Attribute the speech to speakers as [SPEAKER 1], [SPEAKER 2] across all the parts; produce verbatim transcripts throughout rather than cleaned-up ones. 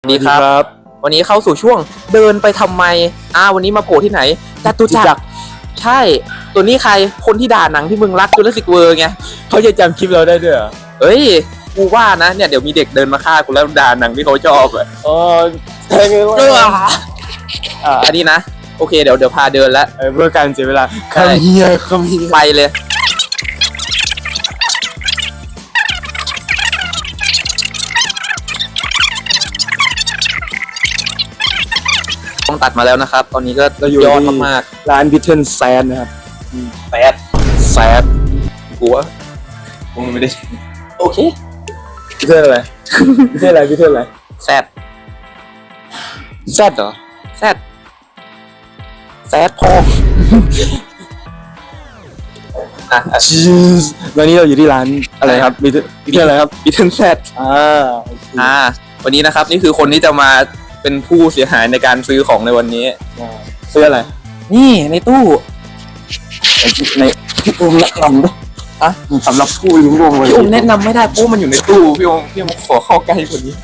[SPEAKER 1] สวัสดีครับวันนี้เข้าสู่ช่วงเดินไปทำไมอ่าวันนี้มาโผล่ที่ไหนจตุจักรใช่ตัวนี้ใครคนที่ด่าหนังที่มึงรักจูราสสิกเวิลด์ไง
[SPEAKER 2] เขาจะจำคลิปเราได้ด้วยเหรอ
[SPEAKER 1] เฮ้ยกูว่านะเนี่ยเดี๋ยวมีเด็กเดินมาฆ่ากูแล้วด่าหนังที่เขาชอบอ่ะ
[SPEAKER 2] อ๋อใช่ไหมวะ
[SPEAKER 1] อ่าอันนี้นะโอเคเดี๋ยวเดี๋ยวพาเดินแล้ว
[SPEAKER 2] เพื่อการเสียเวลาคำเฮียคำเฮีย
[SPEAKER 1] ไปเลยต้องตัดมาแล้วนะครับตอนนี้ก็ยอดมาก
[SPEAKER 2] ๆร้านบิทเทิลแซนนะครับ
[SPEAKER 1] แซดแซดกูว่ากูไม่ได้โอเค
[SPEAKER 2] บิทเทิลอะไรบิทเทิลอะไรบิทเทิลอะไร
[SPEAKER 1] แซด
[SPEAKER 2] แซดเหรอ
[SPEAKER 1] แซดแซดพออ่ะ
[SPEAKER 2] วันนี้เราอยู่ที่ร้านอะไรครับบิทเทิลอะไรครับ
[SPEAKER 1] บิทเทิลแซด
[SPEAKER 2] อ่า
[SPEAKER 1] อ่าวันนี้นะครับนี่คือคนที่จะมาเป็นผู้เสียหายในการซื้อของในวันนี้
[SPEAKER 2] ซื้ออะไร
[SPEAKER 1] นี่ในตู้
[SPEAKER 2] ในพี่อุ้มแนะนำด้วย
[SPEAKER 1] อ่ะ
[SPEAKER 2] สำหรับผู้ลิ้มวงเลย
[SPEAKER 1] พี่อุ้มแนะนำไม่ได้ปุ๊บมันอยู่ในตู้พี่อุ้มพี่อุ้มขอเข้าใกล้กว่านี้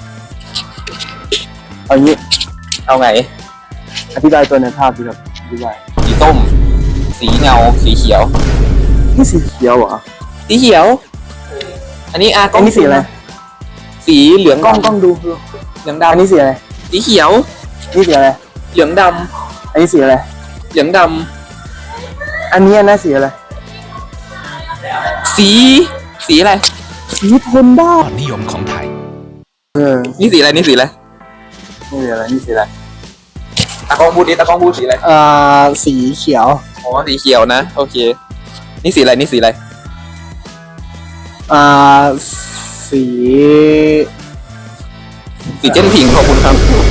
[SPEAKER 2] เอางี้
[SPEAKER 1] เอาไง
[SPEAKER 2] อธิบายตัวในภาพดีครับอธิบาย
[SPEAKER 1] สีส้มสีเงาสีเขียว
[SPEAKER 2] นี่สีเขียวเหรอ
[SPEAKER 1] สีเขียวอันนี้อ่ะ
[SPEAKER 2] กล้องนี่สีอะไร
[SPEAKER 1] สีเหลือง
[SPEAKER 2] กล้องกล้องดู
[SPEAKER 1] เหลืองดำ
[SPEAKER 2] อันนี้สีอะไร
[SPEAKER 1] สีเขียว
[SPEAKER 2] นี่สีอะไร
[SPEAKER 1] เหลืองดำ
[SPEAKER 2] อันนี้สีอะไร
[SPEAKER 1] เหลืองด
[SPEAKER 2] ำอันนี้น่าสีอะไร
[SPEAKER 1] สีสีอะไร
[SPEAKER 2] สีพลบ้า
[SPEAKER 3] นิยมของไทย
[SPEAKER 2] เออ
[SPEAKER 1] นี่สีอะไรนี่สีอะไร
[SPEAKER 2] นี่สีอะไรนี่สีอะไร
[SPEAKER 1] ตากล้องพูดดิตากล้องพูดสีอะไร
[SPEAKER 2] อ่าสีเขียว
[SPEAKER 1] อ๋อสีเขียวนะโอเคนี่สีอะไรนี่สีอะไร
[SPEAKER 2] อ่าสี
[SPEAKER 1] สีเจนพิงขอบคุณครับ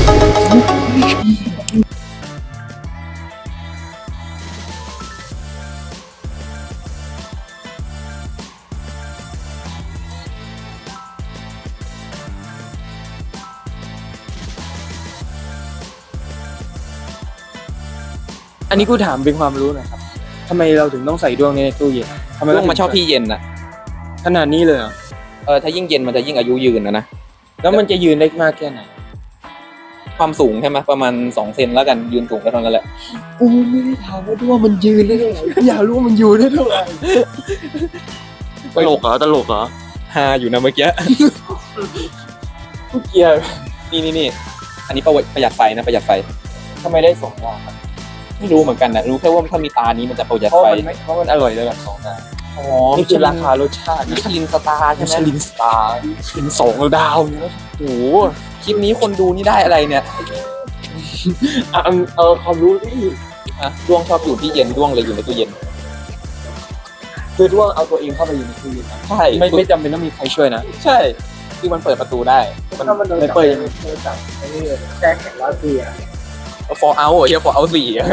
[SPEAKER 2] อันนี้กูถามเป็นความรู้หน่อยครับทำไมเราถึงต้องใส่ดวงในตู้เย็น
[SPEAKER 1] ทำไมต้องมาชอบที่เย็นน่ะ
[SPEAKER 2] ขนาดนี้เลยเหรอ
[SPEAKER 1] เออถ้ายิ่งเย็นมันจะยิ่งอายุยืนนะนะ
[SPEAKER 2] แล้วมันจะยืนได้มากแค่ไหน
[SPEAKER 1] ความสูงใช่ไหมประมาณสองเซนแล้วกันยืนสูงก็เท่านั้นแหละ
[SPEAKER 2] กูไม่ได้ถามว่าด้วงมันยืนได้เท่าไหร่อยากรู้ว่ามันยืนได้เท่าไหร่
[SPEAKER 1] ตลกเหรอตลกเหรอฮาอยู่นะเมื่อกี้
[SPEAKER 2] กูเกียร์
[SPEAKER 1] นี่นี่นี่อันนี้ประหยัดไฟนะประหยัดไฟ
[SPEAKER 2] ทำไมได้สองดาว
[SPEAKER 1] ไม่รู้เหมือนกันนะรู้แค่ว่าถ้ามีตานี้มันจะประหยัดไฟ
[SPEAKER 2] เพราะมันอร่อยเลยแบบสองดาว
[SPEAKER 1] อ๋อ
[SPEAKER 2] นี่คือราคารสชาติ
[SPEAKER 1] มิชลินสตาร์ใช่ไหม
[SPEAKER 2] มิชลินสตาร์เป็นสองดาวเนี่ย
[SPEAKER 1] โอ้โหคลิปนี้คนดูนี่ได้อะไรเนี่ย
[SPEAKER 2] เอาเอาความรู้ที่
[SPEAKER 1] อ่ะด้วงชอบอยู่ที่เย็นด้วงเลยอยู่ในตู้เย็น
[SPEAKER 2] คือด้วงเอาตัวเองเข้าไปอยู่ในตู้เย็น
[SPEAKER 1] ใช่
[SPEAKER 2] ไม่ไม่จำเป็นต้องมีใครช่วยนะ
[SPEAKER 1] ใช่คือมันเปิดประตูได้
[SPEAKER 2] มันไม่เปิดยังไงจับไอ้นี่แจ็คแข็งร้อยปีอะ
[SPEAKER 1] ฟอร์เอาเฮียฟอร์เอาสี่อ่ะ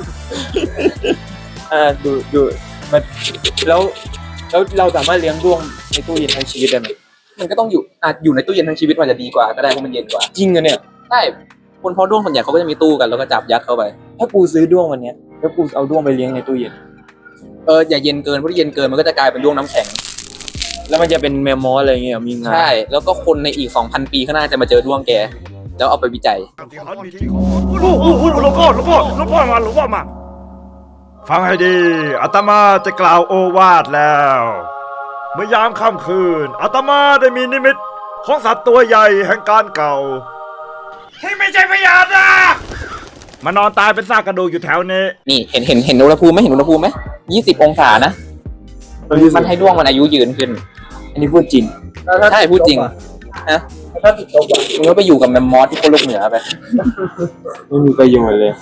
[SPEAKER 2] อ่าดูดูมันแล้วแล้วเราสามารถเลี้ยงด้วงในตู้เย็นทั้งชีวิตได้ไหม
[SPEAKER 1] มันก็ต้องอยู่อ่ะอยู่ในตู้เย็นทั้งชีวิตมันจะดีกว่าก็ได้เพราะมันเย็นกว่า
[SPEAKER 2] จริงอะเนี่ย
[SPEAKER 1] ใช่คนเพาะด้วงส่วนใหญ่เขาก็จะมีตู้กันแล้วก็จับยัดเข้าไป
[SPEAKER 2] ถ้ากูซื้อด้วงวันนี้แล้วกูเอาด้วงไปเลี้ยงในตู้เย็น
[SPEAKER 1] เอออย่าเย็นเกินเพราะเย็นเกินมันก็จะกลายเป็นด้วงน้ำแข็ง
[SPEAKER 2] แล้วมันจะเป็นแมมมอสอะไรเงี้ยมีงา
[SPEAKER 1] ใช่แล้วก็คนในอีก สองพัน ปีข้างหน้าจะมาเจอด้วงแกแล้วเอาไปวิจัย
[SPEAKER 3] โอ้โหหลวงพ่อหลวงพ่อหลวงพ่อมาหลวงพ่อมาฟังให้ดีอาตมาจะกล่าวโอวาทแล้วเมื่อยามค่ำคืนอาตมาได้มีนิมิตของสัตว์ตัวใหญ่แห่งการเก่าที่ไม่ใช่พญานาคมานอนตายเป็นซากกระดูกอยู่แถวนี้
[SPEAKER 1] นี่เห็นเห็นเห็นอุณหภูมิไหมเห็นอุณหภูมิไหมยี่สิบองศานะมันให้ด้วงมันอายุยืนขึ้น
[SPEAKER 2] อันนี้พูดจริง
[SPEAKER 1] ใช่พูดจริงฮะ
[SPEAKER 2] ถ้าติดลบอ่ะ
[SPEAKER 1] มึงก็ไปอยู่กับแมมมอสที่โคโลกเหนือไป
[SPEAKER 2] ไม่มีประโยชน์เลย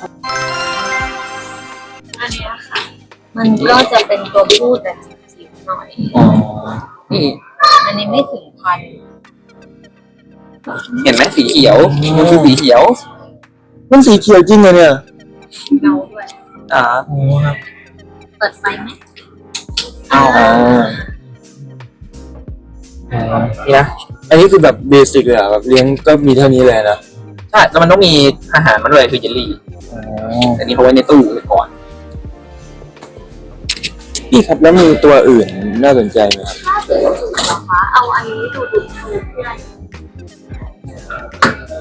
[SPEAKER 4] อันนี้ค่ะมันก็จะเป็นตัวผู้แต่จิ๋วหน่อย
[SPEAKER 1] อ๋อนี่
[SPEAKER 4] อันนี้ไม่ถึงพัน
[SPEAKER 1] เห็นไหมสีเขียวมันคือสีเขียว
[SPEAKER 2] มันสีเขียวจริงเลยเนี่ย
[SPEAKER 4] เงาด้วย
[SPEAKER 1] อ่า
[SPEAKER 4] เปิดไฟไหม
[SPEAKER 1] อ๋อ
[SPEAKER 2] นี่นะอันนี้คือแบบเบสิกเลยอะแบบเลี้ยงก็มีเท่านี้เลยนะ
[SPEAKER 1] ใช่แล้วมันต้องมีอาหารมันด้วยคือเจลลี่อันนี้เขาไว้ในตู้ก่อน
[SPEAKER 2] พี่ครับแล้วมีตัวอื่นน่าสนใจไหมครับ
[SPEAKER 4] ถ้าเกิดนะคะเอาอันนี้ดูดูดูเพื่อน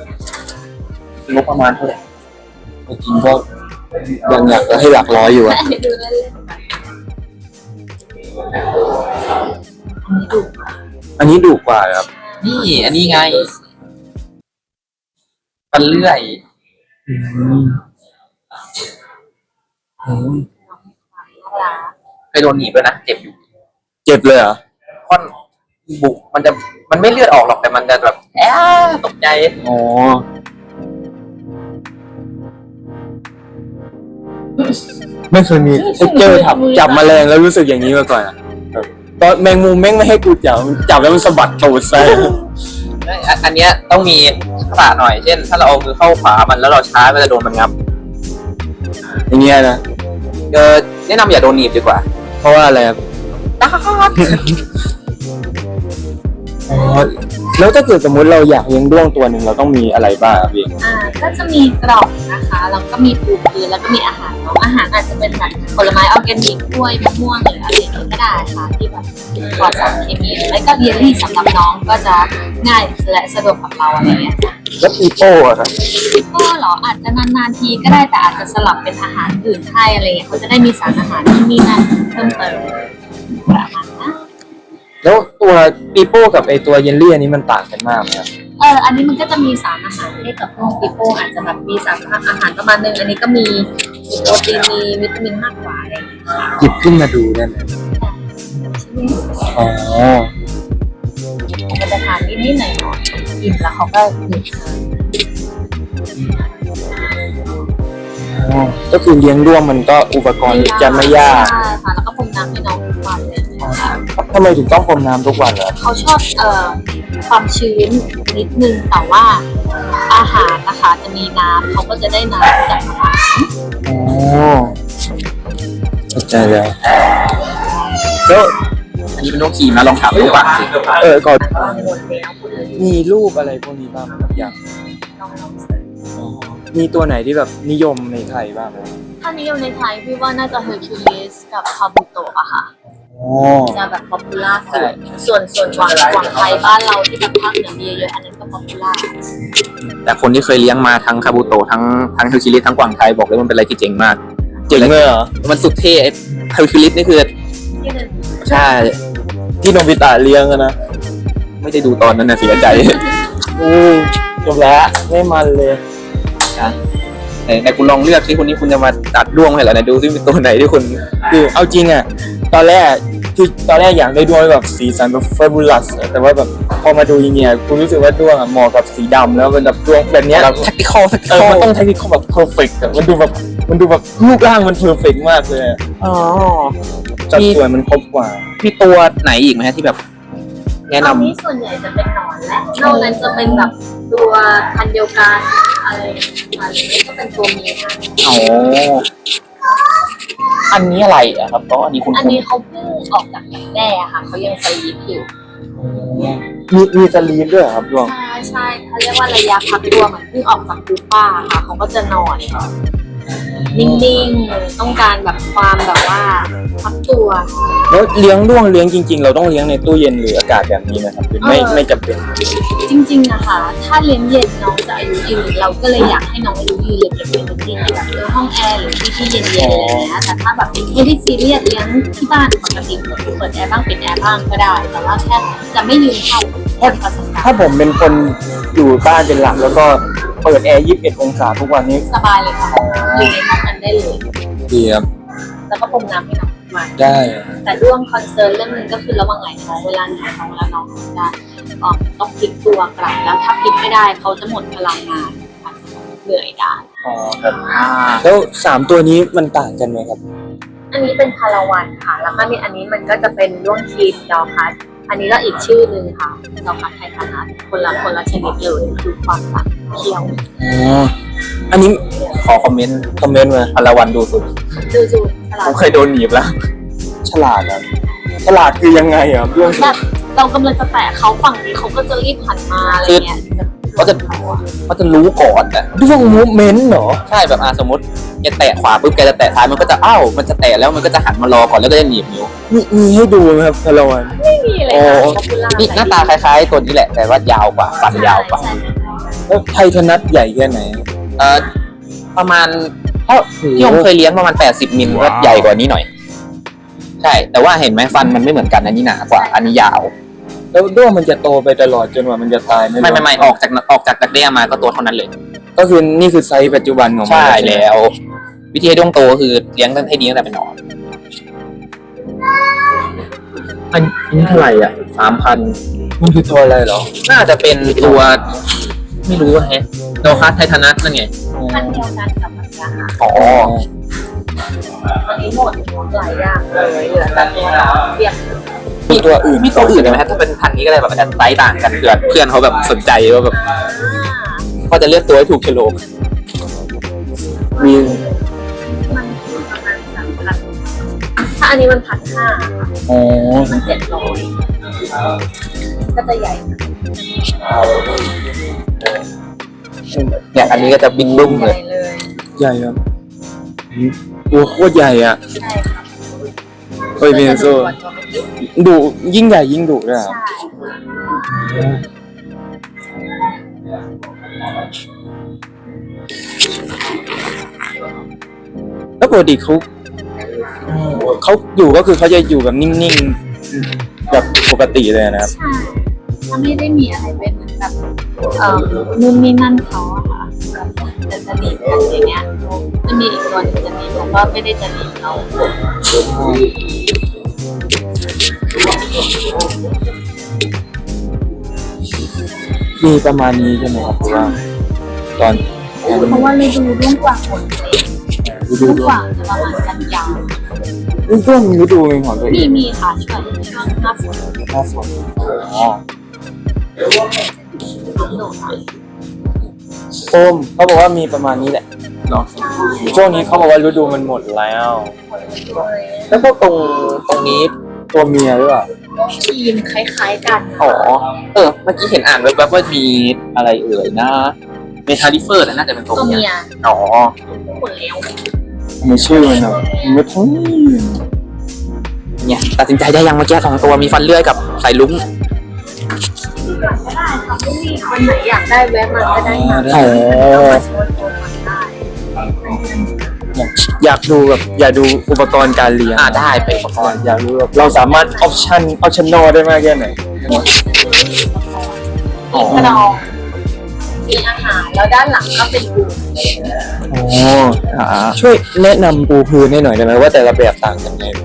[SPEAKER 1] งบประมาณเท่าไหร่
[SPEAKER 2] จริงก็ยังอยากจะให้หลักร้อยอยู่อะ
[SPEAKER 4] ดูเล่นๆไปอันนี้ดู
[SPEAKER 2] อันนี้ดุกว่าครับ
[SPEAKER 1] นี่อันนี้ไงปันเลื่อย
[SPEAKER 4] น่ารัก
[SPEAKER 1] เคยโดนหนีบด้วยนะเจ็บอยู่
[SPEAKER 2] เจ็บเลยเหรอ
[SPEAKER 1] ค่อนบุกมันจะมันไม่เลือดออกหรอกแต่มันจะแบบแอบตกใจ
[SPEAKER 2] อ๋อไม่เคยมีเจอจับจับแมลงแล้วรู้สึกอย่างนี้มาก่อนอะแบบตอนแมงมุมแม่งไม่ให้กูจับจับแล้วมันสะบัดตูดใส่
[SPEAKER 1] อันอันเนี้ยต้องมีทักษะหน่อยเช่น ถ้าเราเอามือเข้าขวามันแล้วเราช้าก็จะโดนมันงับ
[SPEAKER 2] อย่างเงี้ยนะ
[SPEAKER 1] เออแนะนำอย่าโดนหนีบดีกว่า
[SPEAKER 2] เพราะว่าอะไรครับ
[SPEAKER 1] ดัก
[SPEAKER 2] อ๋อแล้วถ้าเกิดสมมติเราอยากเลี้ยงด้วงตัวหนึ่งเราต้องมีอะไรบ้างครับพี่
[SPEAKER 4] อ่าก็จะมีกล่องนะคะแล้วก็มีปูพื้นแล้วก็มีอาหารเนาะอาหารอาจจะเป็นแบบผลไม้ออร์แกนิกกล้วยมะม่วงหรืออะไรอย่างเงี้ยก็ได้ค่ะที่แบบปลอดสารเคมีหรือไม่ก็เยลลี่สำหรับน้องก็จะง่ายและสะดวกกับเราอะไรเงี้ยค่ะ
[SPEAKER 2] แล้วปีโป้อะครับ
[SPEAKER 4] ก็เหรออาจจะนานๆทีก็ได้แต่อาจจะสลับเป็นอาหารอื่นให้อะไรเงี้ยเขาจะได้มีสารอาหารที่มีนั่นเพิ่มเติมประมาณนั้น
[SPEAKER 2] แล้วตัวปีโป้กับไอตัวเยลลี่อันนี้มันต่างกันมากไหมครับ
[SPEAKER 4] เอออันนี้มันก็จะมีสารอาหารให้กับพวกปิโป้อาจจะแบบมีสารอาหารประมาณนึงอันนี้ก็มีมีโปรตีนมีวิตามินมากกว่าอะไรอย่างเงี้ยค่ะ
[SPEAKER 2] หยิบขึ้นมาดูได้ไหมอ๋อ
[SPEAKER 4] มันจะทานนิดๆหน่อยๆกินแล้วเขาก็หยุดทาน
[SPEAKER 2] อ๋อก็คือเลี้ยงด้วงมันก็อุปกรณ์จะไม่ยาก
[SPEAKER 4] ใช่ค่ะแล้วก็พรมน้ำให้น้องทุกวันเลยนะคะ
[SPEAKER 2] ทำไมถึงต้องพรมน้ำทุกวันล่ะ
[SPEAKER 4] เขาชอบเอ่อความชื้นนิดนึงแต่ว่าอาหารนะคะจะมีน้ำเขาก็จะได้น้ำจากอาหาร
[SPEAKER 2] อ๋อเข้าใจแล้วแล้ว
[SPEAKER 1] อันนี้เป็นนกขี่มาลองถามดูก่อนสิ
[SPEAKER 2] เออก่อน
[SPEAKER 4] วางหมดแล้วคุณเลย
[SPEAKER 2] มีรูปอะไรพวกนี้บ้างไหมครับอย่าง
[SPEAKER 4] ลองลองเสิร์ช
[SPEAKER 2] อ๋อมีตัวไหนที่แบบนิยมในไทยบ้างไหม
[SPEAKER 4] ถ้านิยมในไทยพี่ว่าน่าจะเฮอร์คิวลิสกับคาบุโตะอะค่ะ
[SPEAKER 2] อ๋อ
[SPEAKER 4] จะแบบป๊อปปูล่าสุดส่วนส่วนหวังหวังไทยบ้านเราที่แบบภาคเหนือมีเยอะๆอันนั้นก็ป๊อปปูล่า
[SPEAKER 1] แต่คนที่เคยเลี้ยงมาทั้งคาบูโตะทั้งทั้งเฮลคิลิสทั้งกวางไทยบอกเลยมันเป็นอะไรที่เจ๋งมาก
[SPEAKER 2] เจ๋งเลยเหรอ
[SPEAKER 1] มันสุดเท่เฮลคิลิสนี่คือ
[SPEAKER 4] ที่หนึ่ง
[SPEAKER 1] ใช่
[SPEAKER 2] ที่โนบิตะเลี้ยงอะนะ
[SPEAKER 1] ไม่ได้ดูตอนนั้นนะเสียใจ
[SPEAKER 2] อือจบแล้วไม่มันเลย
[SPEAKER 1] นะไหนไหนคุณลองเลือกที่คนนี้คุณจะมาตัดด้วงให้เหรอไหนดูซิเป็นตัวไหนที่คุณ
[SPEAKER 2] คือเอาจริงอ่ะตอนแรกคือตอนแรกอยากได้ด้วงแบบสีสันแบบเฟบูลัสแต่ว่าแบบพอมาดูอย่างเงี้ยคุณรู้สึกว่าด้วงอ่ะเหมาะกับสีดำแล้วมันแบบด้วงแบบเนี้ย
[SPEAKER 1] เราแท็กติคอลแท็กติ
[SPEAKER 2] เอ
[SPEAKER 1] ค
[SPEAKER 2] อ
[SPEAKER 1] อล
[SPEAKER 2] มันต้องใช้ที่เขาแบบเพอร์เฟกต์มันดูแบบมันดูแบบรูปร่างมันเพอร์เฟกต์มากเลยอะ
[SPEAKER 1] อ๋อ
[SPEAKER 2] จัดส่วนมันครบกว่า
[SPEAKER 1] มีตัวไหนอีกไหมฮะที่แบบ แนะนำ
[SPEAKER 4] อันนี้ส่วนใหญ่จะเป็นหนอนและนอกนั้นจะเป็นแบบตัวพันธุ์เดียวกันอะไรอะไรนี้ก็เป็นตัวเมียนะ
[SPEAKER 1] อ๋ออันนี้อะไรอะครับก็อันนี้คุณ
[SPEAKER 4] อันนี้เขาเพิ่งออกจากดักแด้อะค่ะเขายังสลีปอยู่
[SPEAKER 2] มีมีสลีฟด้วยเหรอครับด้วง
[SPEAKER 4] ใช่ใช่เขาเรียกว่าระยะพักตัวเหมือนเพิ่งออกจากปูป้าค่ะเขาก็จะนอนนิ่งๆต้องการแบบความแบบว่าพักตัว
[SPEAKER 2] แล้วเลี้ยงด้วงเลี้ยงจริง ๆ เราต้องเลี้ยงในตู้เย็นหรืออากาศแบบนี้นะครับหรือไม่
[SPEAKER 4] เออ
[SPEAKER 2] ไม่จำเป็น
[SPEAKER 4] จริงๆนะคะถ้าเลี้ยงเย็นน้องจะอายุยืนเราก็เลยอยากให้น้องอายุยืนเลยเก็บไว้ในที่ที่แบบเออห้องแอร์หรือที่ที่เย็นๆอะไรอย่างเงี้ยแต่ถ้าแบบไม่ได้ซีเรียสเลี้ยงที่บ้านปกติเปิดเปิดแอร์บ้างปิดแอร์บ้างก็ได้ แต่ว่าแค่จะไม่ยืนเข้าคนประสบการ
[SPEAKER 2] ถ้า
[SPEAKER 4] ณ์
[SPEAKER 2] ผมเป็นคนอยู่บ้านเป็นหลักแล้วก็เปิดแอร์ยี่สิบเอ็ดองศาทุกวันนี้
[SPEAKER 4] สบายเลยค่ะอยู่ในห้องนั้นได้เลย
[SPEAKER 2] ดีครับ
[SPEAKER 4] แล้วก็พรมน้ำให้น้องทุกวัน
[SPEAKER 2] ได้
[SPEAKER 4] แต่เรื่องคอนเซิร์นเรื่องนึงก็คือระหว่างไหนท้องเวลาหนูท้องแล้วน้องจะออกต้องพลิกตัวกลับแล้วถ้าพลิกไม่ได้เขาจะหมดพลังงานอาจจะเหนื่อยได้
[SPEAKER 2] อ๋อครับแล้วสามตัวนี้มันต่างกันไหมครับ
[SPEAKER 4] อันนี้เป็นพาราวันค่ะ แล้วก็มีอันนี้มันก็จะเป็นด้วงคีนดอคัสอันนี้ก็อีกชื่อหนึ่งค่ะดอคัสไททานัสคนละคนละชนิดเลยคือความต่างเคี้ยว
[SPEAKER 2] อ๋อ อันนี้
[SPEAKER 1] ขอคอมเมนต์
[SPEAKER 2] คอมเมนต์มา
[SPEAKER 1] พลวันดูสุด
[SPEAKER 4] ดูดูฉลา
[SPEAKER 1] ผ
[SPEAKER 4] ด
[SPEAKER 1] มเคยโดนหนีบแล้ว
[SPEAKER 2] ฉลาดครับฉลาดคือยังไงอ่ะเรื่อง
[SPEAKER 4] แบบเรากำลังจะแตะเขาฝั่งนี้เขาก็จะรีบหันมาอะไรเงี้ย
[SPEAKER 1] ก็จะก็จะรู้ก่อนอะ
[SPEAKER 2] ด้วงมูฟเมนต์เหรอ
[SPEAKER 1] ใช่แบบอ่ะสมมติแกแตะขวาปุ๊บแกจะแตะซ้ายมันก็จะอ้าวมันจะแตะแล้วมันก็จะหันมารอก่อนแล้วก็จะหนีบนิ้ว
[SPEAKER 2] มีมีให้ดูไหมครับพลวัน
[SPEAKER 4] ไม่มีเลยค่ะ popular
[SPEAKER 1] นี่หน้าตาคล้ายๆตัวนี้แหละ แต่ว่ายาวกว่าฟันยาวกว่า
[SPEAKER 4] ใช่ใช่ใช่
[SPEAKER 2] แล้วไททานัสใหญ่แค่ไหน
[SPEAKER 4] ไ
[SPEAKER 1] เอ่อประมาณเท่าที่ผมเคยเลี้ยงประมาณแปดสิบมิลก็ใหญ่กว่านี้หน่อยใช่แต่ว่าเห็นไหมฟันมันไม่เหมือนกันอันนี้หนากว่าอันนี้ยาว
[SPEAKER 2] แล้วด้วงมันจะโตไปตลอดจนกว่ามันจะตายไหม
[SPEAKER 1] ไม่ไม่ไม่ออกจากออกจากดักแด้มาก็ตัวเท่านั้นเลย
[SPEAKER 2] ก็คือนี่คือไซส์ปัจจุบันของมัน
[SPEAKER 1] ใช่แล้ว วิธีให้ด้วงโตก็คือเลี้ยงตั้งให้ดีตั้งแต่เป็นหนอนอันนี้เท่าไหร่อ่ะสามพัน
[SPEAKER 2] มันคือตัวอะไรเหรอ
[SPEAKER 1] น่าจะเป็นตัวไม่รู้แฮะโดคัสไททานัสนั่นไง
[SPEAKER 4] พันเดียวกันกับมันนะคะ
[SPEAKER 1] อ๋อ
[SPEAKER 4] ตอนนี้หมดหลายอย่างเลยเหลือแต่ตัวเราเรียก
[SPEAKER 2] มีตัวอื่น
[SPEAKER 1] มีตัวอื่นไหมฮะถ้าเป็นพันธุ์นี้ก็เลยแบบจะไซส์ต่างกันเพื่อนเพื่อนเขาแบบสนใจว่าแบบเขาจะเลือกตัวให้ถูกโฉลก
[SPEAKER 2] มี
[SPEAKER 4] มันคือประมาณสามพันถ้าอันนี้มันพันห้า
[SPEAKER 2] อ๋อ
[SPEAKER 4] มันเจ็ดร้อยก็จะใหญ่
[SPEAKER 1] เนี่ยอันนี้ก็จะบิ๊กบึ้ม
[SPEAKER 4] ให
[SPEAKER 1] เล
[SPEAKER 4] ญ่
[SPEAKER 1] ย
[SPEAKER 4] เลย
[SPEAKER 2] ใหญ่ครับตัวโคตรใหญ่อ่ะ
[SPEAKER 4] ใช่ครับ
[SPEAKER 2] เฮ้ยเบนโซดุยิ่งใหญ่ยิ่งดุด้วยครับ
[SPEAKER 4] ใช่
[SPEAKER 2] แล้วปกติเขาเขาอยู่ก็คือเขาจะอยู่แบบนิ่งๆแบบปกติเลยนะครับ
[SPEAKER 4] ใช่ถ้าไม่ได้มีอะไรเป็นเหมือนแบบเอ่อนู่นนี่นั่นเขาอะค่ะแบบจะจะหนีบกันอย่างเงี้ยจะมีอีกตัวหนึงจะหนีบแต่ว่าไม่ได้จะหนีบเขา
[SPEAKER 2] มีประมาณนี้ใช่ไหมครับเพราะว่าตอน
[SPEAKER 4] เพราะว่าฤดูร่วงกว่างหมดเลย
[SPEAKER 2] ฤดู
[SPEAKER 4] ร่วง
[SPEAKER 2] ด้
[SPEAKER 4] ก
[SPEAKER 2] วง
[SPEAKER 4] ว่างจะประมาณกันยาว
[SPEAKER 2] ฤดูมีฤดูเป็นของตัวเอ
[SPEAKER 4] มี
[SPEAKER 2] ง
[SPEAKER 4] มีค่ะช่วงช่วงหน้าฝน
[SPEAKER 2] หน้าฝนอ๋อ
[SPEAKER 4] น้ำหนุน
[SPEAKER 2] โอมเขาบอกว่ามีประมาณนี้แหละเนาะช่วงนี้เขาบอกว่าฤดูมันหมดแล้ว
[SPEAKER 1] แล้วพวกตรงตรงนี้
[SPEAKER 2] ตัวเมียหรือเปล่า
[SPEAKER 4] ทีมคล้ายๆกัน
[SPEAKER 1] อ๋อเออเมื่อกี้เห็นอ่านแวบๆว่ามีอะไรเอ่ยนะเมทาลิเฟอร์น่าจะเป็นตัว
[SPEAKER 4] ตัว
[SPEAKER 1] เมี
[SPEAKER 4] เมี
[SPEAKER 1] ย
[SPEAKER 4] ย
[SPEAKER 1] อ๋อ
[SPEAKER 4] หมดแล้ว
[SPEAKER 2] ไม่ชื่อมันนะไม่ทั้ง
[SPEAKER 1] เนี่ยตัดสินใจได้ยังเมื่อกี้สองตัวมีฟันเลื่อยกับสายลุ้ง
[SPEAKER 4] ก็ได้ค่ะไม่มีคนไหนอยากได้แวะมาก็ได้มา
[SPEAKER 2] อ๋อ
[SPEAKER 4] มาโชว์ตัวมันได้
[SPEAKER 2] อยากดูแบบอยากดูอุปกรณ์การเลี้ยง
[SPEAKER 1] อ่าได้ไปอุปกรณ์
[SPEAKER 2] อยากรู้แบบเราสามารถออปชั่นออปชั่นนอได้มากแค่ไหน
[SPEAKER 4] มีกระดองมีอาหารแล้วด้านหลังก็เป็นปู
[SPEAKER 2] อ๋อช่วยแนะนำปูพื้นให้หน่อยได้ไหมว่าแต่ละแบบต่างกันไง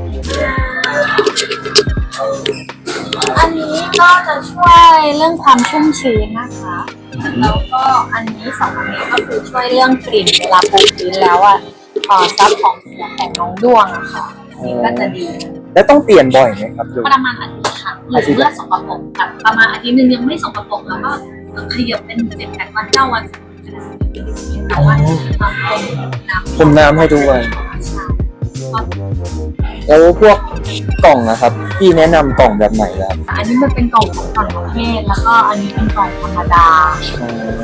[SPEAKER 4] อันนี้ก็จะช่วยเรื่องความชุ่มชื้นนะคะ แล้วก็อันนี้สองอันนี้ก็คือช่วยเรื่องกลิ่นเวลาปูพื้นแล้วอ่ะเอ่อซับของเสียของน้องด้วงอะค่ะอันนี้ก็จะดี
[SPEAKER 2] แล้วต้องเปลี่ยนบ่อยไหมครับดู
[SPEAKER 4] ประมาณอาทิตย์ค่ะหรือเมื่อสกปรกแบบประมาณอาทิตย์หนึงยังไม่สกปรกแล้วก็ขยับเป็นเจ็ดแปดวันเก้าวันแต่ว่าทำเป็นน้ำ
[SPEAKER 2] ผมน้ำให้ทุกวัน
[SPEAKER 4] ใช่
[SPEAKER 2] แล้วพวกกล่องนะครับพี่แนะนำกล่องแบบไหนครับ
[SPEAKER 4] อันนี้มันเป็นกล่องของต่างประเทศแล้วก็อันนี้เป็นกล่องธรรมดา
[SPEAKER 2] โอ้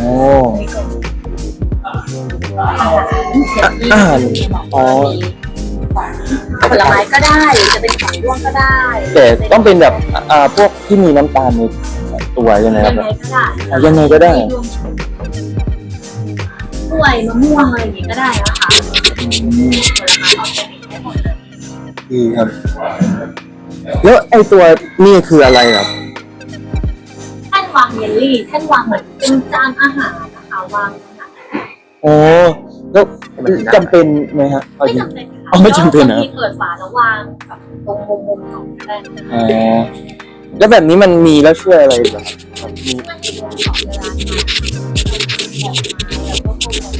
[SPEAKER 4] อาหารอ๋อผลไม้ก็ได้หรือจะเป็นของร่วงก็ได้
[SPEAKER 2] แต่ต้องเป็นแบบอ่าพวกที่มีน้ำตาลในตัวใช่ไหมค
[SPEAKER 4] ยั
[SPEAKER 2] รับ
[SPEAKER 4] งไงก็ได้
[SPEAKER 2] อ่ะยังไงก็ได้
[SPEAKER 4] กล้วยมะม่วงอะไรอย่างงี้ก็ได้นะคะผลไม้ออร์แกนิกได้หมดเลย
[SPEAKER 2] ดีครับ แล้วไอตัวนี่คืออะไรครับ
[SPEAKER 4] แท่นวางเยลลี่แท่นวางเหมือนเป็นจานอาหารนะคะวางขนาด
[SPEAKER 2] โอ้แล้วจำเป็นไหมฮะเอา
[SPEAKER 4] ไม่
[SPEAKER 2] จริง
[SPEAKER 4] จำเป็นค่ะ
[SPEAKER 2] อ๋อไม่จำเป็นนะ
[SPEAKER 4] บางทีเปิดฝาแล้ววางแบบตรงมุมๆของก็ได้นะ
[SPEAKER 2] อ๋อแล้วแบบนี้มันมีแล้วช่วยอะไรบ้างครับมี
[SPEAKER 4] มันมีรวมของเวลาทานแล้วก็พวก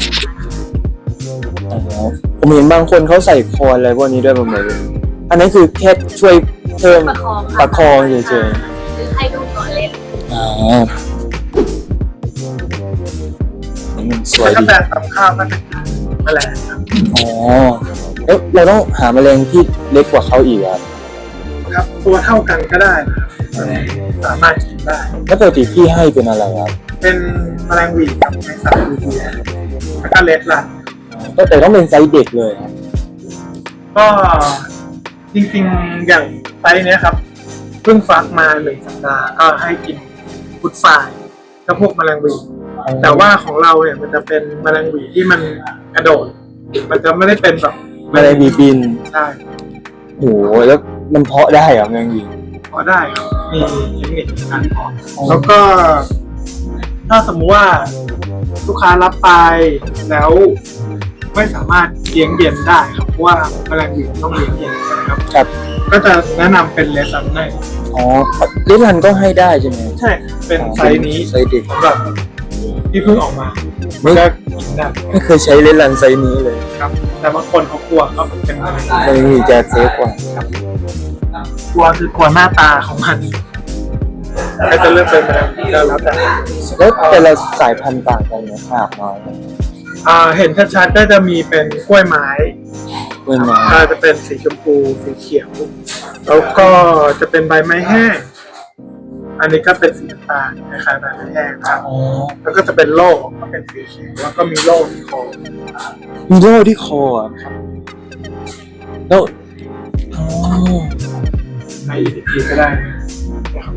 [SPEAKER 4] ผลไม้
[SPEAKER 2] อ๋อผมเห็นบางคนเขาใส่คอนอะไรพวกนี้ด้วยผมเลยอันนั้นคือแค่ช่วยเพิ่ม
[SPEAKER 4] ประคองค่
[SPEAKER 2] ประคองเฉยๆ
[SPEAKER 4] หรือให้ดูก่อนเล่น
[SPEAKER 2] อ๋อมันสวย
[SPEAKER 5] แล้วก็
[SPEAKER 2] ดี
[SPEAKER 5] แบบกับข้าวมันแมลง
[SPEAKER 2] อ๋อแล้วเราต้องหาแมลงที่เล็กกว่าเขาอีกครับ
[SPEAKER 5] ครับ ตัวเท่ากันก็ได้นะครับสามารถกินได้
[SPEAKER 2] แล้วปกติพี่ให้เป็นอะไรครับ
[SPEAKER 5] เป็นแมลงหวีกับแมงสาบดีๆแล้วก็เลดลัน
[SPEAKER 2] ก็แต่ต้องเป็นไซส์เด็กเลยครับ
[SPEAKER 5] ก็จริงๆอย่างไซส์เนี้ยครับเพิ่งฟักมาหนึ่งสัปดาห์ก็ให้กินฟุตฟายก็พวกแมลงหวี
[SPEAKER 2] อ
[SPEAKER 5] แต่ว่าของเราเนี่ยมันจะเป็นแมลงหวีที่มันกระโดด มันจะไม่ได้เป็นแบบ
[SPEAKER 2] แมลงหวีบิน
[SPEAKER 5] ใช่
[SPEAKER 2] โหแล้วมันเพาะได้เหรอแมลงหวี
[SPEAKER 5] พอได้ครับมีเทคนิคในการเพาะแล้วก็ ถ้าสมมุติว่าลูกค้ารับไปแล้วไม่สามารถเลี้ยงเย็นได้ครับเพราะว่าแมลงหวีต้องเลี้ยงเย็นนะครับ
[SPEAKER 2] ครับ
[SPEAKER 5] ก็จะแนะนำเป็นเลสันให้
[SPEAKER 2] อ๋อเลดรันก็ให้ได้ใช่ไหม
[SPEAKER 5] ใช่ เป็นไซส์นี้
[SPEAKER 2] ไซส์เด็ก
[SPEAKER 5] สำหรับที่เพิ่งออกมา
[SPEAKER 2] ไม่
[SPEAKER 5] ก็กินได้
[SPEAKER 2] ไม่เคยใช้เลดรันไซส์นี้เลย
[SPEAKER 5] ครับ แต่บางคนเขากลัวเขาเป็นอะไร
[SPEAKER 2] แมลงหวีจะเซฟกว่า
[SPEAKER 5] กลัวคือกลัวหน้าตาของมันก็จะเลือกเป็นแมลงหวีก็แล้วแต่
[SPEAKER 2] แล้วแต่ละสายพันธุ์ต่างกันไหมมากน้อย
[SPEAKER 5] อ่าเห็นชัดๆก็จะมีเป็นกล้วยไม้
[SPEAKER 2] เว้นมา
[SPEAKER 5] อ่าจะเป็นสีชมพูสีเขียว แล้วก็จะเป็นใบไม้แห้ง อันนี้ก็เป็นสีน้ำตาลคล้ายๆใบไม้แห้งครับ
[SPEAKER 2] อ๋อ
[SPEAKER 5] แล้วก็จะเป็นโล่ก็เป็นสีเขียวแล้วก็มีโล่ที่คอ
[SPEAKER 2] มีโล่ที่คออ่ะครับแล้วอ๋อ
[SPEAKER 5] ในอีพีก็ได้นะครับ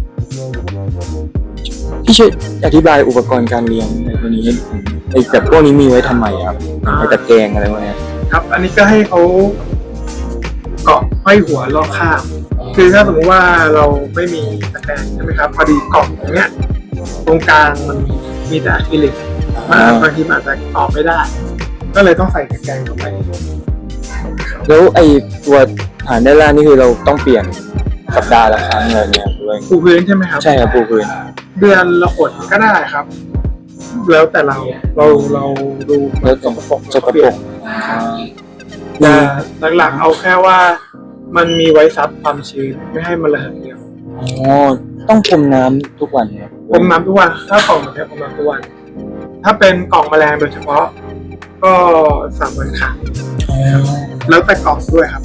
[SPEAKER 2] พี่ช่วยอธิบายอุปกรณ์การเลี้ยงในตัวนี้ให้ผมไอ้แบบพวกนี้มีไว้ทำไมครับไอ้ตะแกรงอะไรพวกเนี้ย
[SPEAKER 5] ครับ อันนี้ก็ให้เขาเกาะห้อยหัวรอบข้างคือถ้าสมมติว่าเราไม่มีตะแกรงใช่ไหมครับ พอดีกล่องตรงเนี้ย ตรงกลางมันมีแต่อะคริลิกมันบางทีมันอาจจะต่อไม่ได้ ก็เลยต้องใส่ตะแกรงเข้าไป
[SPEAKER 2] แล้วไอ้ตัวฐานด้านล่างนี่คือเราต้องเปลี่ยนสัปดาห์ละครั้งอะไรเงี้ยด้วย
[SPEAKER 5] ปูพื้นใช่ไหมครับ
[SPEAKER 2] ใช่ครับปูพื้น
[SPEAKER 5] เดือนละหนก็ได้ครับ แล้วแต่เราเราเราดู
[SPEAKER 2] แล้วตรงปกสกปรก
[SPEAKER 5] แต่หลักๆเอาแค่ว่ามันมีไว้ซับความชื้นไม่ให้มันระเหยเดียว
[SPEAKER 2] อ๋อต้องพรมน้ำทุกวันเนี่ย
[SPEAKER 5] พรมน้ำทุกวันถ้ากล่องแบบนี้พรมน้ำทุกวัน ถ้าเป็นกล่องแมลงโดยเฉพาะ ก็สามวันครั้ง
[SPEAKER 2] อ๋อ
[SPEAKER 5] แล้วแต่กล่องด้วยครับ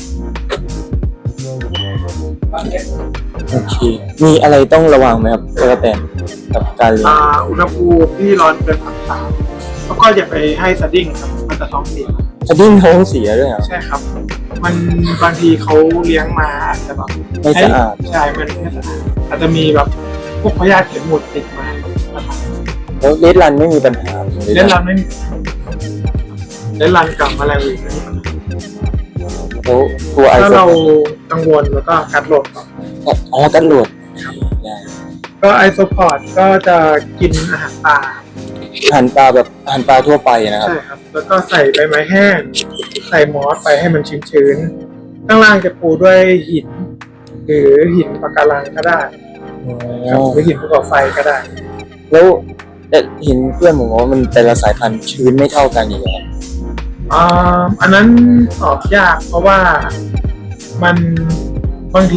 [SPEAKER 2] โอเคมีอะไรต้องระวังไหมครับกระแตนกับการเลี้ยง
[SPEAKER 5] อ่าอุณหภูมิที่ร้อนเกินสามสามแล้วก็อย่าไปให้สดิ้งครับมันจะท้องเสีย
[SPEAKER 2] จะดิ้นท้องเสียด้วยเหรอ
[SPEAKER 5] ใช่ครับ มันบางทีเขาเลี้ยงมาอาจจะแบบ
[SPEAKER 2] ไม่สะอาด
[SPEAKER 5] ใช่ มันไม่สะอาดอาจจะมีแบบพวกพยาธิเข็มหมุดติดมานะครับ
[SPEAKER 2] แล้วเลดรันไม่มีปัญหา
[SPEAKER 5] เล่นรันไม่มีเล่นรันกับแมลงหวีไม่มีปัญหา
[SPEAKER 2] แล้วตัวไอ
[SPEAKER 5] ถ้า
[SPEAKER 2] โฟ
[SPEAKER 5] เรา
[SPEAKER 2] น
[SPEAKER 5] กังวลแล้วก็กัดโหลดก่อน
[SPEAKER 2] อ๋อกันโหลดได้
[SPEAKER 5] ก็ไอโซพอร์ตก็จะกินอาหารปลา
[SPEAKER 2] หั่นปลาแบบหั่นปลาทั่วไปนะครับ
[SPEAKER 5] ใช่ครับ แล้วก็ใส่ใบไม้แห้ง ใส่มอสไปให้มันชื้นๆข้างล่างจะปูด้วยหิน หรือหินปะการังก็ได้ครับหรือหินภูเขาไฟก็ได้
[SPEAKER 2] แล้วแต่เห็นเพื่อนผมบอกว่ามันแต่ละสายพันธุ์ชื้นไม่เท่ากันอย่างเงี้ย
[SPEAKER 5] อ่าอันนั้นตอบยากเพราะว่ามันบางที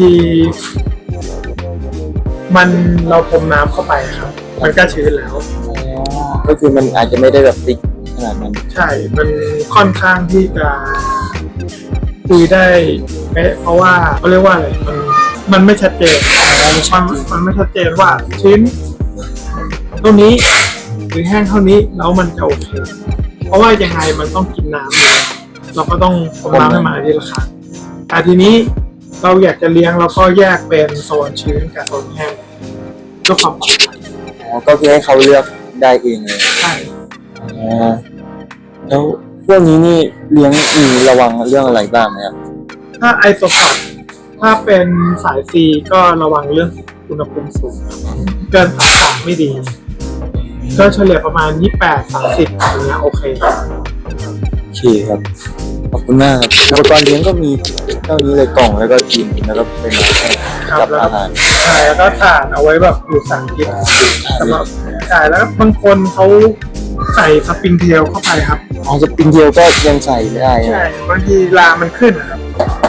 [SPEAKER 5] มันเราพรมน้ำเข้าไปครับ มันก็ชื้นแล้ว
[SPEAKER 2] ก็คือมันอาจจะไม่ได้แบบติ๊กขนาดนั้น
[SPEAKER 5] ใช่ มันค่อนข้างที่จะคุยได้เป๊ะเพราะว่าเขาเรียกว่าอะไรมันมันไม่ชัดเจนมันมันไม่ชัดเจนว่าชิ้นเท่านี้หรือแห้งเท่านี้แล้วมันจะโอเค เพราะว่ายังไงมันต้องกินน้ำเราก็ต้องพรมน้ำให้มันทีละครั้งแต่ทีนี้เราอยากจะเลี้ยงเราก็แยกเป็นโซนชื้นกับโซนแห้งเพื่อความปลอดภัย
[SPEAKER 2] อ๋อก็คือให้เขาเลือกได้เองเลย
[SPEAKER 5] ใช่
[SPEAKER 2] อ๋อแล้วพวกนี้นี่เลี้ยงมีระวังเรื่องอะไรบ้างไหมครับ
[SPEAKER 5] ถ้าไอโซพอร์ตถ้าเป็นสายซีก็ระวังเรื่องอุณหภูมิสูงเกินสามสามไม่ดี ก็เฉลี่ยประมาณยี่สิบแปด สามสิบอย่างเงี้ยโอเค
[SPEAKER 2] โอเคครับขอบคุณมากครับอุปกรณ์เลี้ยงก็มีเท่านี้เลยกล่องแล้วก็กินแล้วก็เป็นอาหาร
[SPEAKER 5] ครับ
[SPEAKER 2] กับอาหาร
[SPEAKER 5] ใช่แล้วก็ถ่านเอาไว้แบบอยู่สามทิศสำหรับใช่แล้วบางคนเขาใส่สปริงเทลเข้าไปครับ
[SPEAKER 2] อ๋อสปริงเทลก็ยังใส่ได้
[SPEAKER 5] ใช่บางทีลามันขึ้นนะครับ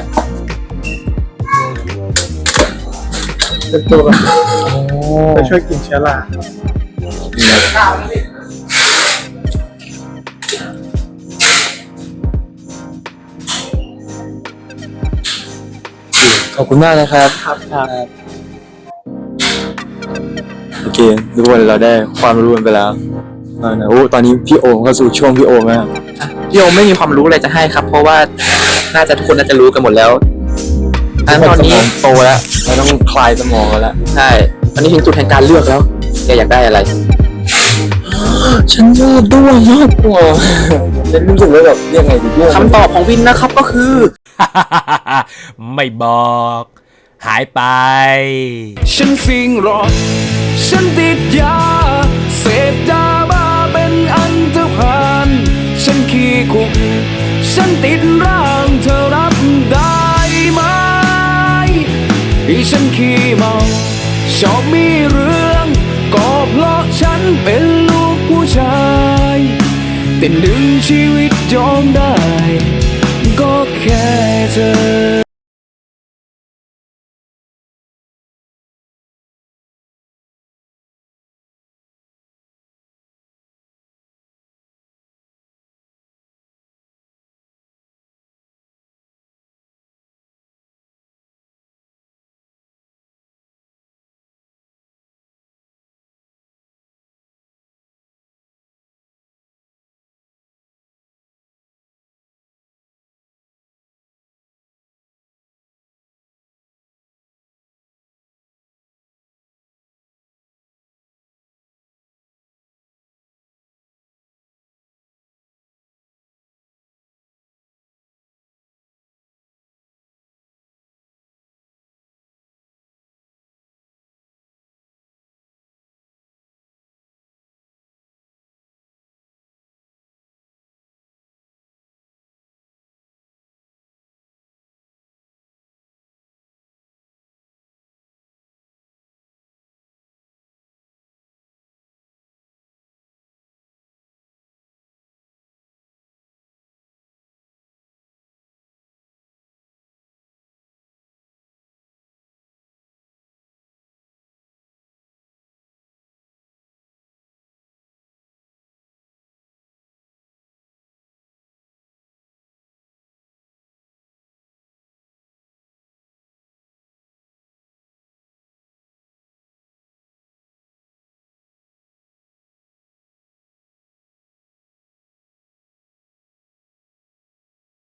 [SPEAKER 5] เป็นตัวแบบ
[SPEAKER 2] อ๋อ
[SPEAKER 5] ไปช่วยกินเชื้อรา
[SPEAKER 2] ขอบคุณมากนะครับ
[SPEAKER 5] ครับ
[SPEAKER 2] โอเคทุกคนเราได้ความรู้กันไปแล้วเอานะโอ้ตอนนี้พี่โอมเข้าสู่ช่วงพี่โอมแล้ว
[SPEAKER 1] พี่โอมไม่มีความรู้อะไรจะให้ครับ เพราะว่าน่าจะทุกคนน่าจะรู้กันหมดแล้วอันตอนนี้
[SPEAKER 2] สมงโตแล้วเราต้องคลายสมองกันแล้ว
[SPEAKER 1] ใช่ตอนนี้ถึงจุดแห่งการเลือกแล้วแกอยากได้อะไร
[SPEAKER 2] อฉันชอบด้วงมากกว่าฉันรู้สึกว่าแบบยังไงดีด้วง
[SPEAKER 1] คำตอบของวินนะครับก็คือ
[SPEAKER 6] ไม่บอก หายไป ฉันฟิงรอดฉันติดยา เสพยาบ้าเป็นอันตรพานฉันขี้คุก ฉันติดร่างเธอรับได้ไหมที่ฉันขี้เมาชอบมีเรื่องก็เพราะฉันเป็นลูกผู้ชายแต่หนึ่งชีวิตยอมได้ก็แค่เธอ